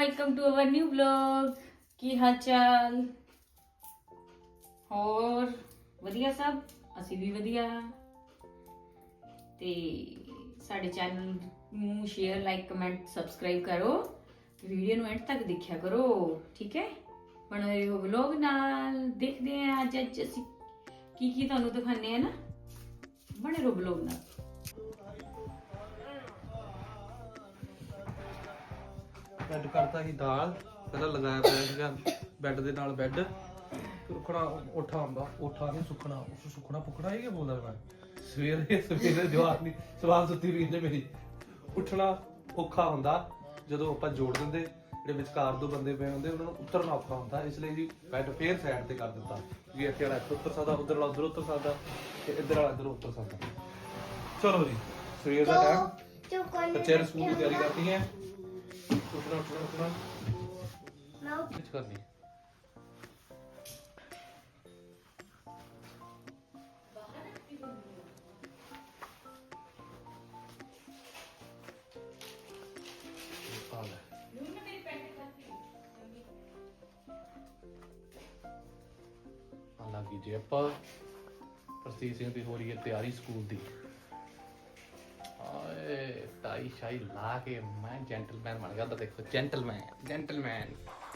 Welcome to our new blog. की हाल चाल और वधिया सब ਅਸੀਂ ਵੀ ਵਧੀਆ ਤੇ ਸਾਡੇ ਚੈਨਲ ਨੂੰ ਸ਼ੇਅਰ ਲਾਈਕ ਕਮੈਂਟ ਸਬਸਕ੍ਰਾਈਬ ਕਰੋ ਵੀਡੀਓ ਨੂੰ ਐਂਡ ਤੱਕ ਦੇਖਿਆ ਕਰੋ ਠੀਕ ਹੈ ਬਣੇ ਰਹੋ ਵਲੌਗ ਨਾਲ ਦੇਖਦੇ ਹਾਂ ਅੱਜ ਅਸੀਂ ਕੀ ਤੁਹਾਨੂੰ ਦਿਖਾਣੇ ਆ ਨਾ ਬਣੇ ਰਹੋ ਵਲੌਗ ਨਾਲ ਬੈੱਡ ਕਰਤਾ ਸੀ ਦਾਲ ਪਹਿਲਾਂ ਲਗਾਇਆ ਪਿਆ ਸੀਗਾ ਬੈੱਡ ਦੇ ਨਾਲ ਬੈੱਡ ਸੁੱਕਣਾ ਉੱਠਾ ਹੁੰਦਾ ਉੱਠਾ ਨਹੀਂ ਸੁੱਕਣਾ ਉਸ ਸੁੱਕਣਾ ਪੁੱਕਣਾ ਇਹ ਕੀ ਬੋਲਦਾ ਮੈਂ ਸਵੇਰੇ ਜਵਾਬ ਨਹੀਂ ਸਵਾਲ ਸੁੱਤੀ ਵੀ ਨੇ ਮੇਰੀ ਉੱਠਣਾ ਔਖਾ ਹੁੰਦਾ ਜਦੋਂ ਆਪਾਂ ਜੋੜ ਦਿੰਦੇ ਜਿਹੜੇ ਵਿਚਕਾਰ ਦੋ ਬੰਦੇ ਪਏ ਹੁੰਦੇ ਉਹਨਾਂ ਨੂੰ ਉਤਰਨਾ ਔਖਾ ਹੁੰਦਾ ਇਸ ਲਈ ਜੀ ਬੈੱਡ ਫੇਰ ਸਾਈਡ ਤੇ ਕਰ ਦਿੱਤਾ ਵੀ ਇੱਥੇ ਵਾਲਾ ਇੱਥੇ ਉੱਤਰ ਸਕਦਾ ਉਧਰ ਵਾਲਾ ਉਧਰ ਉੱਤਰ ਸਕਦਾ ਤੇ ਇੱਧਰ ਵਾਲਾ ਇੱਧਰ ਉੱਤਰ ਸਕਦਾ ਚਲੋ ਜੀ ਸਵੇਰ ਦਾ ਟਾਈਮ ਬੱਚਿਆਂ ਨੂੰ ਸਕੂਲ ਦੀ ਤਿਆਰੀ ਕਰਦੀ ਹੈ ਉੱਠਣਾ ਕੁਝ ਕਰਨੀ ਲੱਗੀ ਜੀ ਆਪਾਂ ਪ੍ਰਸਤੀਤ ਸਿੰਘ ਦੀ ਹੋ ਰਹੀ ਹੈ ਤਿਆਰੀ ਸਕੂਲ ਦੀ ਆਏ ਟਾਈ ਸ਼ਾਈ ਲਾ ਕੇ ਮੈਂ ਜੈਂਟਲਮੈਨ ਬਣ ਗਿਆ ਤਾਂ ਦੇਖੋ ਜੈਂਟਲਮੈਨ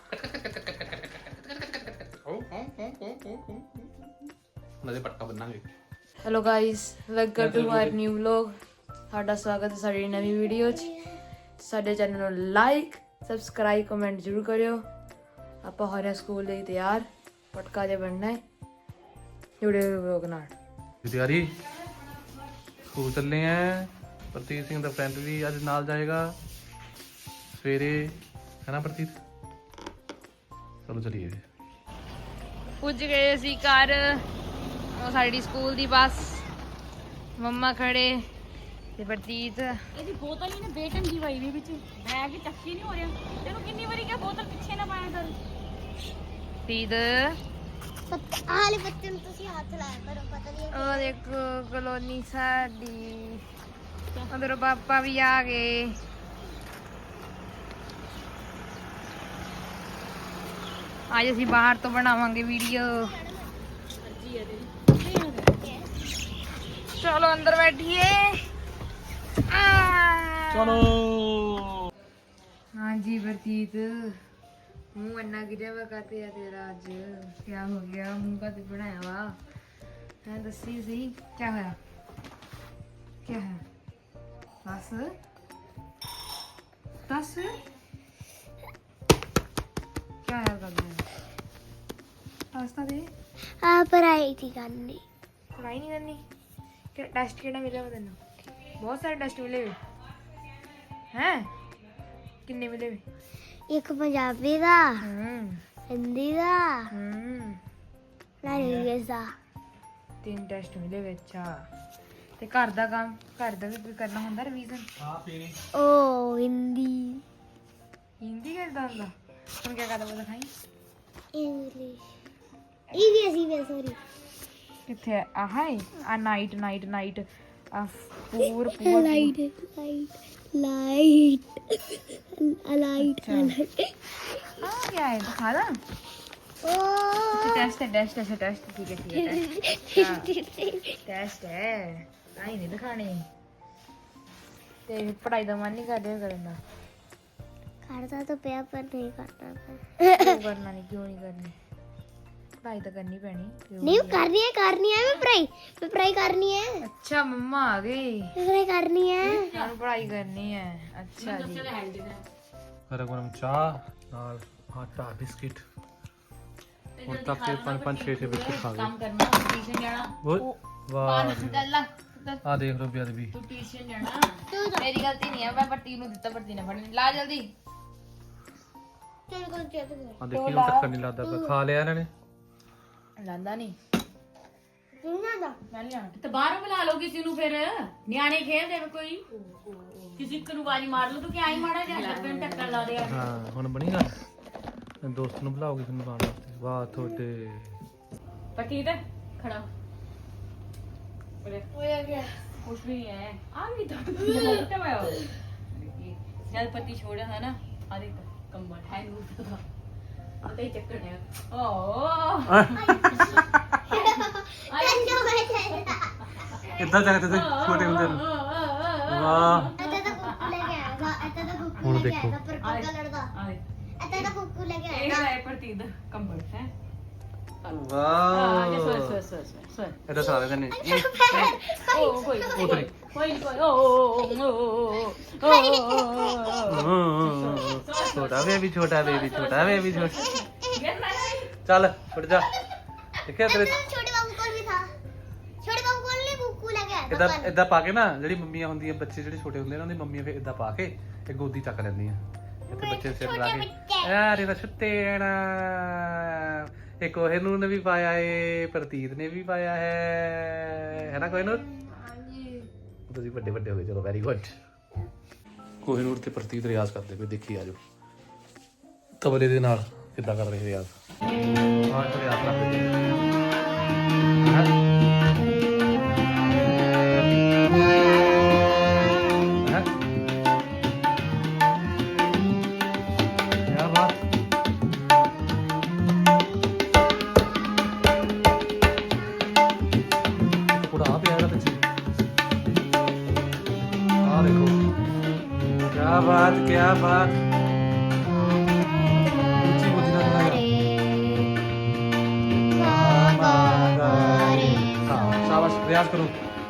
ਨਦੇ ਪਟਕਾ ਬੰਨਾਂਗੇ hello guys welcome to our new vlog ਤੁਹਾਡਾ ਸਵਾਗਤ ਹੈ ਸਾਡੀ ਨਵੀਂ ਵੀਡੀਓ 'ਚ ਸਾਡੇ ਚੈਨਲ ਨੂੰ ਲਾਈਕ ਸਬਸਕ੍ਰਾਈਬ ਕਮੈਂਟ ਜ਼ਰੂਰ ਕਰਿਓ ਆਪਾਂ ਹੋ ਰਹੇ ਸਕੂਲ ਲਈ ਤਿਆਰ ਪਟਕਾ ਦੇ ਬਣਨਾ ਹੈ ਜੁੜੇ ਹੋਏ ਵਲੌਗ ਨਾਲ ਤਿਆਰੀ ਸਕੂਲ ਚੱਲੇ ਆ ਪ੍ਰਤੀਤ ਸਿੰਘ ਦਾ ਫਰੈਂਡ ਵੀ ਅੱਜ ਨਾਲ ਜਾਏਗਾ ਸਵੇਰੇ ਹੈ ਨਾ ਪ੍ਰਤੀਤ ਚਲੋ ਚਲੀਏ ਪੁੱਜ ਗਏ ਅਸੀਂ ਘਰ ਉਹ ਸਾਡੀ ਸਕੂਲ ਦੀ ਬੱਸ ਮੰਮਾ ਖੜੇ ਤੇ ਪ੍ਰਤੀਤ ਇਹਦੀ ਬੋਤਲ ਹੀ ਨਾ ਬੇਟੰਗੀ ਵਾਈ ਵੀ ਵਿੱਚ ਬੈਗ ਚੱਕੀ ਨਹੀਂ ਹੋ ਰਿਹਾ ਤੈਨੂੰ ਕਿੰਨੀ ਵਾਰੀ ਕਿਹਾ ਬੋਤਲ ਪਿੱਛੇ ਨਾ ਪਾਇਆ ਕਰ ਪ੍ਰਤੀਤ ਹਾਲੇ ਬੱਚੇ ਨੂੰ ਤੁਸੀਂ ਹੱਥ ਲਾਇਆ ਕਰੋ ਪਤਾ ਨਹੀਂ ਉਹ ਦੇਖੋ ਕਲੋਨੀ ਸਾਡੀ ਉਧਰ ਪਾਪਾ ਵੀ ਆ ਗਏ ਅੱਜ ਅਸੀਂ ਬਾਹਰ ਤੋਂ ਬਣਾਵਾਂਗੇ ਵੀਡੀਓ ਚਲੋ ਅੰਦਰ ਬੈਠੀਏ ਚਲੋ ਹਾਂਜੀ ਵਰਤੀਤ ਮੂੰਹ ਇੰਨਾ ਗਿਰਿਆ ਵਾ ਕਾਤੇ ਆ ਤੇਰਾ ਅੱਜ ਕੀ ਹੋ ਗਿਆ ਮੂੰਹ ਕਾਤੇ ਬਣਾਇਆ ਵਾ ਹੈ ਦੱਸੀ ਸਹੀ ਕੀ ਹੋਇਆ ਕੀ ਹੈ ਦੱਸ ਦੱਸ ਕੀ ਹੋਇਆ ਕਰਨਾ ਦੱਸ ਤਾਂ ਦੇ ਆ ਪੜਾਈ ਦੀ ਕਰਨੀ ਪੜਾਈ ਨਹੀਂ ਕਰਨੀ ਕਿ ਟੈਸਟ ਕਿਹੜਾ ਮਿਲਿਆ ਵਾ ਤੈਨੂੰ ਬਹੁਤ ਸਾਰੇ ਟੈਸਟ ਮਿਲੇ ਵੇ ਹੈ ਕਿੰਨੇ ਮਿਲੇ ਵੇ ਇੱਕ ਪੰਜਾਬੀ ਦਾ ਹੂੰ ਹਿੰਦੀ ਦਾ ਹੂੰ ਨਾਲ ਇੰਗਲਿਸ਼ ਦਾ 3 ਟੈਸਟ ਮਿਲੇ ਵੇ ਅੱਛਾ ਤੇ ਘਰ ਦਾ ਕੰਮ ਘਰ ਦਾ ਵੀ ਕੋਈ ਕਰਨਾ ਹੁੰਦਾ ਰਿਵੀਜ਼ਨ ਹਾਂ ਪੀਣੀ ਓ ਹਿੰਦੀ ਹਿੰਦੀ ਕਰਦਾ ਹੁੰਦਾ ਹੁਣ ਕੀ ਕਰਦਾ ਬੋਲ ਖਾਈ ਇੰਗਲਿਸ਼ ਇਹ ਸੌਰੀ ਕਿੱਥੇ ਆ ਆਹ ਹੈ ਆ ਨਾਈਟ ਆ ਪੂਰ ਲਾਈਟ ਲਾਈਟ ਆ क्या है दिखा दा ਓ टेस्ट है ठीक है टेस्ट है आई नहीं दिखाने ਤੇ ਪੜਾਈ ਦਾ ਮਨ ਨਹੀਂ ਕਰ ਰਿਹਾ ਕਰਨ ਦਾ ਕਰਦਾ ਤਾਂ ਪਿਆ ਪਰ ਨਹੀਂ ਕਰਦਾ ਕਿਉਂ ਕਰਨਾ ਨਹੀਂ ਕਿਉਂ ਨਹੀਂ ਕਰਨੀ ਪੜਾਈ ਤਾਂ ਕਰਨੀ ਪੈਣੀ ਨਹੀਂ ਕਰਨੀ ਹੈ ਮੈਂ ਪੜਾਈ ਕਰਨੀ ਹੈ ਅੱਛਾ ਮੰਮਾ ਆ ਗਈ ਪੜਾਈ ਕਰਨੀ ਹੈ ਹੁਣ ਪੜਾਈ ਕਰਨੀ ਹੈ ਅੱਛਾ ਜੀ ਗਰਮ ਚਾਹ ਨਾਲ ਆਟਾ ਬਿਸਕਿਟ ਹੁਣ ਤੱਕ ਤੇ 5-6 ਬਿਸਕਿਟ ਖਾ ਕੰਮ ਗਏ ਕਰਨਾ ਟਿਊਸ਼ਨ ਜਾਣਾ ਓਏ ਵਾਹ ਚੱਲ ਆ ਦੇਖ ਲੋ ਬਿਆਦ ਵੀ ਤੂੰ ਟਿਊਸ਼ਨ ਜਾਣਾ ਮੇਰੀ ਗਲਤੀ ਨਹੀਂ ਹੈ ਮੈਂ ਪੱਟੀ ਨੂੰ ਦਿੱਤਾ ਪੱਟੀ ਨਾ ਫੜਨੀ ਲਾ ਜਲਦੀ ਚਲ ਕਰ ਆ ਦੇਖੀ ਹੁਣ ਚੱਕਰ ਨਹੀਂ ਲੱਗਦਾ ਪਿਆ। ਖਾ ਲਿਆ ਇਹਨਾਂ ਨੇ ਲਾਂਦਾ ਨਹੀਂ ਤੂੰ ਨਾ ਦਾ ਮੈਂ ਲਿਆ ਤੇ ਬਾਹਰੋਂ ਬੁਲਾ ਲਓ ਕਿਸੇ ਨੂੰ ਫਿਰ ਨਿਆਣੇ ਖੇਡਦੇ ਵੇ ਕੋਈ ਕਿਸੇ ਨੂੰ ਆਵਾਜ਼ ਮਾਰ ਲਓ ਤੂੰ ਕਿ ਆਈ ਮਾੜਾ ਜਿਹਾ ਲੱਪੇ ਨੂੰ ਟੱਕਰ ਲਾ ਦੇ ਹਾਂ ਹੁਣ ਬਣੀ ਗੱਲ ਦੋਸਤ ਨੂੰ ਬੁਲਾਓਗੇ ਤੁਹਾਨੂੰ ਖਾਣ ਵਾਸਤੇ ਵਾਹ ਤੁਹਾਡੇ ਪਤੀ ਤੇ ਖੜਾ ਹੋਇਆ ਗਿਆ ਕੁਛ ਵੀ ਨਹੀਂ ਹੈ ਆ ਵੀ ਤਾਂ ਜਦ ਪਤੀ ਛੋੜਿਆ ਹੈ ਨਾ ਆ ਦੇਖ ਕੰਬਲ ਹੈ ਨੂੰ ਪਤਾ ਹੀ ਚੱਕਰ ਹੈ ਓ ਕੰਜੋ ਬੈਠੇ ਇਦਾਂ ਚੱਕਦੇ ਤੇ ਛੋਟੇ ਹੁੰਦੇ ਨੂੰ ਵਾਹ ਇੱਥੇ ਤਾਂ ਕੁੱਕੂ ਲੈ ਕੇ ਆਏਗਾ ਇੱਥੇ ਤਾਂ ਕੁੱਕੂ ਹੁਣ ਲੈ ਕੇ ਦੇਖੋ। ਆਏਗਾ ਪਰ ਪੱਕਾ ਲੜਦਾ ਆਏ ਇੱਥੇ ਤਾਂ ਕੁੱਕੂ ਲੈ ਕੇ ਇਹ ਆਏਗਾ ਹੈ ਪ੍ਰਤੀਤ ਦਾ ਕੰਬਲ ਹੈ ਵਾਹ ਸੋਏ ਇਹਦਾ ਸਾਰੇ ਦੇ ਨੇ ਓ ਕੋਈ ਉਤਰੀ ਕੋਈ ਛੋਟਾ ਬੇਬੀ ਛੋਟਾ ਚੱਲ ਛੁੱਟ ਜਾ ਦੇਖਿਆ ਤੇਰੇ ਛੋਟੇ ਬਾਬੂ ਕੋਲ ਵੀ ਥਾ ਛੋਟੇ ਬਾਬੂ ਕੋਲ ਨਹੀਂ ਕੁੱਕੂ ਲੈ ਕੇ ਆਇਆ ਇਦਾਂ ਇਦਾਂ ਪਾ ਕੇ ਨਾ ਜਿਹੜੀ ਮੰਮੀਆਂ ਹੁੰਦੀਆਂ ਬੱਚੇ ਜਿਹੜੇ ਛੋਟੇ ਹੁੰਦੇ ਨੇ ਉਹਨਾਂ ਦੀ ਮੰਮੀਆਂ ਫਿਰ ਇਦਾਂ ਪਾ ਕੇ ਤੇ ਗੋਦੀ ਚੱਕ ਲੈਂਦੀਆਂ ਇੱਥੇ ਬੱਚੇ ਸਿਰ ਲਾ ਕੇ ਯਾਰ ਇਹਦਾ ਛੁੱਤੇ ਨਾ ਇੱਕ ਉਹ ਨੂੰ ਨੇ ਵੀ ਪਾਇਆ ਏ ਪ੍ਰਤੀਤ ਨੇ ਵੀ ਪਾਇਆ ਹੈ ਨਾ ਕੋਈ ਨੂੰ ਤੁਸੀਂ ਵੱਡੇ ਵੱਡੇ ਹੋ ਗਏ ਚਲੋ ਵੈਰੀ ਗੁੱਡ ਕੋਹਿਨੂਰ ਤੇ ਪ੍ਰਤੀਤ ਰਿਆਜ਼ ਕਰਦੇ ਪਏ ਦੇਖੀ ਆਜੋ ਤਬਲੇ ਦੇ ਨਾਲ ਕਿੱਦਾਂ ਕਰ ਰਹੇ ਰਿਆਜ਼ ਹਾਂ ਤੇ ਰਿਆਜ਼ ਕਰਦੇ ਜੀ क्या बात पूरा आप ही आएगा बच्चे हाँ देखो क्या बात ऊंची बुद्धि ना हाँ शाबाश रियाज करो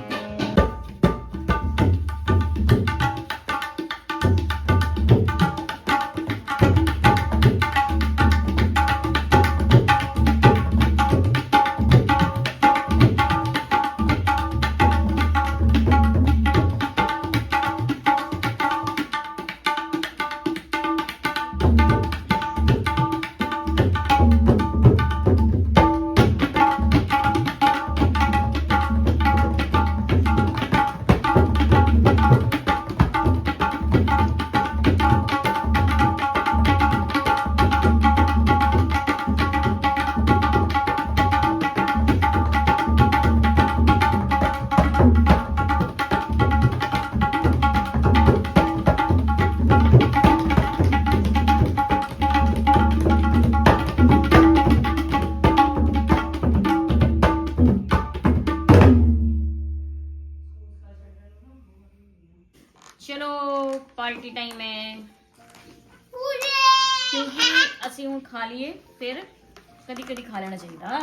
ਚਲੋ ਪਾਰਟੀ ਟਾਈਮ ਹੈ ਪੂਰੇ ਕਿਉਂਕਿ ਅਸੀਂ ਹੁਣ ਖਾ ਲਈਏ ਫਿਰ ਕਦੀ ਕਦੀ ਖਾ ਲੈਣਾ ਚਾਹੀਦਾ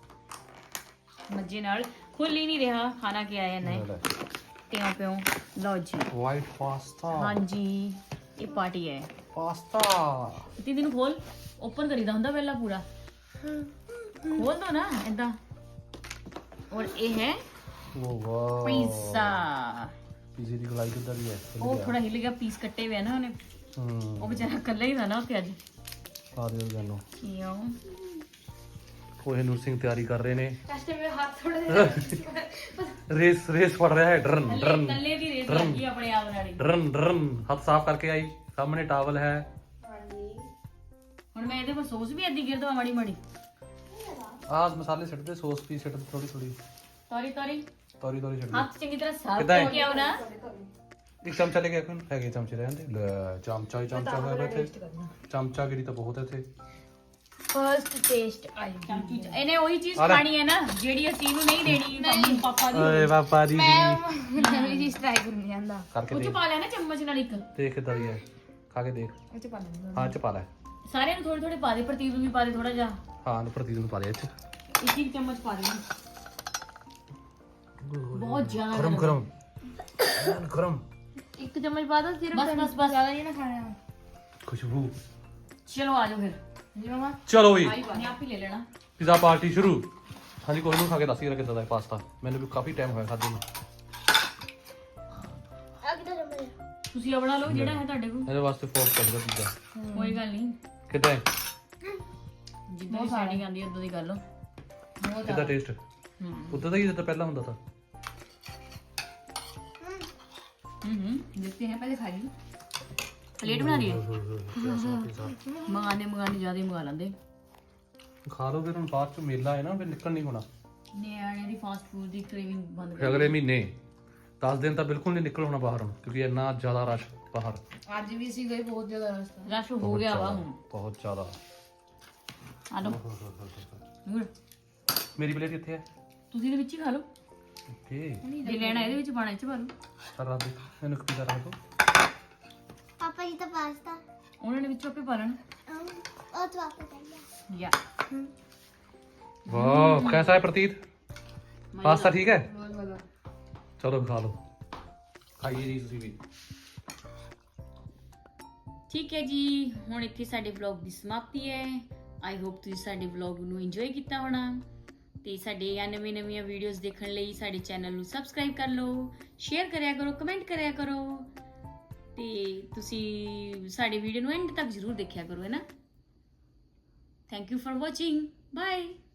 ਮੱਜੇ ਨਾਲ ਖੁੱਲ ਹੀ ਨਹੀਂ ਰਿਹਾ ਖਾਣਾ ਕੀ ਆਇਆ ਨਾ ਕਿਉਂ ਪਿਓ ਲਓ ਜੀ वाइट पास्ता ਹਾਂਜੀ ਇਹ ਪਾਰਟੀ ਹੈ पास्ता ਦੀਦੀ ਨੂੰ ਖੋਲ ਓਪਨ ਕਰੀਦਾ ਹੁੰਦਾ ਪਹਿਲਾਂ ਪੂਰਾ ਖੋਲ ਦੋ ਨਾ ਏਦਾਂ ਔਰ ਇਹ ਹੈ वो वाह ਪੀਜ਼ਾ पिज़्ज़े ਦੀ ਗਲਾਈ ਕਿੱਦਾਂ ਦੀ ਹੈ ਉਹ ਥੋੜਾ ਹਿੱਲ ਗਿਆ ਪੀਸ ਕੱਟੇ ਹੋਏ ਆ ਨਾ ਉਹਨੇ ਉਹ ਵਿਚਾਰਾ ਇਕੱਲਾ ਹੀ था ਨਾ ਉੱਥੇ ਅੱਜ ਆ ਦਿਓ ਜਾਨੋ ਕਿਉਂ ਕੋਹਿਨੂਰ ਸਿੰਘ ਤਿਆਰੀ ਕਰ ਰਹੇ ਨੇ ਕਸ਼ਟ ਮੇਰੇ ਹੱਥ ਥੋੜੇ ਰੇਸ ਫੜ ਰਿਹਾ ਹੈ ਡਰਨ ਡਰਨ ਕੱਲੇ ਦੀ ਰੇਸ ਲੱਗੀ ਆਪਣੇ ਆਪ ਨਾਲ ਹੀ ਡਰਨ ਡਰਨ ਹੱਥ ਸਾਫ਼ ਕਰਕੇ ਆਈ ਸਾਹਮਣੇ ਟਾਵਲ ਹੈ ਹੁਣ ਮੈਂ ਇਹਦੇ ਪਰ ਸੌਸ ਵੀ ਅੱਧੀ ਗਿਰ ਦਵਾ ਮਾੜੀ ਮਾੜੀ ਆਹ ਮਸਾਲੇ ਛੱਡਦੇ ਸੌਸ ਵੀ ਛੱਡ ਥੋੜੀ ਥੋੜੀ ਤੋਰੀ ਤੋਰੀ ਤੋਰੀ ਤੋਰੀ ਛੱਡ ਹੱਥ ਚੰਗੀ ਤਰ੍ਹਾਂ ਸਾਫ਼ ਕਿੱਦਾਂ ਹੈ? ਹੋ ਗਿਆ ਨਾ ਇੱਕ ਚਮਚਾ ਲੈ ਕੇ ਆਖਣ ਹੈਗੇ ਚਮਚੇ ਰਹਿੰਦੇ ਲੈ ਚਮਚਾ ਹੀ ਚਮਚਾ ਹੋਇਆ ਇੱਥੇ ਚਮਚਾ ਗਿਰੀ ਤਾਂ ਬਹੁਤ ਹੈ ਇੱਥੇ ਫਰਸਟ ਟੇਸਟ ਆਈ ਇਹਨੇ ਉਹੀ ਚੀਜ਼ ਆ ਲੈ। ਖਾਣੀ ਹੈ ਨਾ ਜਿਹੜੀ ਅਸੀਂ ਨੂੰ ਨਹੀਂ ਦੇਣੀ ਮੰਮੀ ਪਾਪਾ ਦੀ ਓਏ ਪਾਪਾ ਦੀ ਨਵੀਂ ਚੀਜ਼ ਟਰਾਈ ਕਰਨੀ ਜਾਂਦਾ ਕਰਕੇ ਉਹ ਚ ਦੇਖ ਪਾ ਲੈਣਾ ਚਮਚ ਨਾਲ ਇੱਕ ਦੇਖ ਕਿੱਦਾਂ ਦੀ ਹੈ ਖਾ ਕੇ ਦੇਖ ਉਹ ਚ ਪਾ ਲੈਣਾ ਹਾਂ ਚ ਪਾ ਲੈ ਸਾਰਿਆਂ ਨੂੰ ਥੋੜੇ ਥੋੜੇ ਪਾ ਦੇ ਪ੍ਰਤੀਕ ਨੂੰ ਵੀ ਪਾ ਦੇ ਥੋੜਾ ਜਿਹਾ ਹਾਂ ਨੂੰ ਪ੍ਰਤੀਕ ਨੂੰ ਪਾ ਦੇ ਇੱਥੇ ਇੱਕ ਇੱਕ ਚਮਚ ਪਾ ਦੇ ਬਹੁਤ ਜ਼ਿਆਦਾ ਗਰਮ ਗਰਮ ਗਰਮ ਇੱਕ ਚਮਚ ਪਾ ਦੋ ਸਿਰਫ ਬਸ ਜ਼ਿਆਦਾ ਨਹੀਂ ਨਾ ਖਾਣਾ ਖੁਸ਼ਬੂ ਚਲੋ ਆ ਜਾਓ ਫਿਰ ਜੀ ਮਮਾ ਚਲੋ ਵੀ ਮੈਂ ਆਪ ਹੀ ਲੈ ਲੈਣਾ ਪੀਜ਼ਾ ਪਾਰਟੀ ਸ਼ੁਰੂ ਹਾਂਜੀ ਕੋਈ ਨੂੰ ਖਾ ਕੇ ਦੱਸ ਕਿਹੜਾ ਕਿੱਦਾਂ ਦਾ ਹੈ ਪਾਸਤਾ ਮੈਨੂੰ ਵੀ ਕਾਫੀ ਟਾਈਮ ਹੋਇਆ ਖਾਦੇ ਨੂੰ ਆ ਕਿਧਰ ਹੈ ਤੁਸੀਂ ਆਪਣਾ ਲਓ ਜਿਹੜਾ ਹੈ ਤੁਹਾਡੇ ਕੋਲ ਇਹਦੇ ਵਾਸਤੇ ਫੋਰਕ ਚਾਹੀਦਾ ਪੀਜ਼ਾ ਕੋਈ ਗੱਲ ਨਹੀਂ ਕਿੱਦਾਂ ਹੈ ਜਿੱਦਾਂ ਦੀ ਸੈਟਿੰਗ ਆਂਦੀ ਉਦੋਂ ਦੀ ਕਰ ਲਓ ਕਿੱਦਾਂ ਟੇਸਟ ਉਦੋਂ ਦਾ ਹੀ ਜਿੱਦਾਂ ਪਹਿਲਾਂ ਹੁੰਦਾ ਸੀ देखते हैं पहले खा ली प्लेट बना दिए मंगाने ज्यादा ही मंगा लेंदे ਖਾ ਲਓ ਫਿਰ ਹੁਣ ਬਾਅਦ ਚ ਮੇਲਾ ਹੈ ਨਾ ਫਿਰ ਨਿਕਲ ਨਹੀਂ ਹੋਣਾ ਨਿਆਣੇ ਦੀ ਫਾਸਟ ਫੂਡ ਦੀ ਕ੍ਰੇਵਿੰਗ ਬੰਦ ਫਿਰ ਅਗਲੇ ਮਹੀਨੇ 10 ਦਿਨ ਤਾਂ ਬਿਲਕੁਲ ਨਹੀਂ ਨਿਕਲ ਹੋਣਾ ਬਾਹਰ ਹੁਣ ਕਿਉਂਕਿ ਇੰਨਾ ਜ਼ਿਆਦਾ ਰਸ਼ ਬਾਹਰ ਅੱਜ ਵੀ ਅਸੀਂ ਗਏ ਬਹੁਤ ਜ਼ਿਆਦਾ ਰਸਤਾ ਰਸ਼ ਹੋ ਗਿਆ ਵਾ ਹੁਣ ਬਹੁਤ ਜ਼ਿਆਦਾ। ਆ ਲਓ ਨੂਰ ਮੇਰੀ ਪਲੇਟ ਕਿੱਥੇ ਹੈ? ਤੁਸੀਂ ਇਹਦੇ ਵਿੱਚ ਹੀ ਖਾ ਲਓ ਓਕੇ ਜੇ ਲੈਣਾ ਇਹਦੇ ਵਿੱਚ ਪਾਣਾ ਇਹ ਚ ਪਾ ਲਓ ਸਾਰਾ ਦੇ ਮੈਨੂੰ ਇੱਕ ਪੀਜ਼ਾ ਰੱਖ ਦੋ। ਪਾਪਾ ਜੀ ਤਾਂ ਪਾਸਤਾ ਉਹਨਾਂ ਨੇ ਵਿੱਚੋਂ ਆਪੇ ਪਾ ਲੈਣਾ ਉਹ ਤਾਂ ਆਪੇ ਕਰ ਲਿਆ ਯਾ ਵਾਹ कैसा है प्रतीत? पास्ता ठीक है? चलो खा लो खाइए जी ਤੁਸੀਂ ਵੀ। ਠੀਕ ਹੈ ਜੀ ਹੁਣ ਇੱਥੇ ਸਾਡੇ ਵਲੌਗ ਦੀ ਸਮਾਪਤੀ ਹੈ ਆਈ ਹੋਪ ਤੁਸੀਂ ਸਾਡੇ ਵਲੌਗ ਨੂੰ ਇੰਜੋਏ ਕੀਤਾ ਹੋਣਾ ਤੇ ਸਾਡੇ ਨਵੀਆਂ ਵੀਡੀਓਜ਼ ਦੇਖਣ ਲਈ ਸਾਡੇ ਚੈਨਲ ਨੂੰ ਸਬਸਕ੍ਰਾਈਬ ਕਰ ਲਓ ਸ਼ੇਅਰ ਕਰਿਆ ਕਰੋ ਕਮੈਂਟ ਕਰਿਆ ਕਰੋ ਤੇ ਤੁਸੀਂ ਸਾਡੇ ਵੀਡੀਓ ਨੂੰ ਐਂਡ ਤੱਕ ਜ਼ਰੂਰ ਦੇਖਿਆ ਕਰੋ ਹੈ ਨਾ thank you for watching bye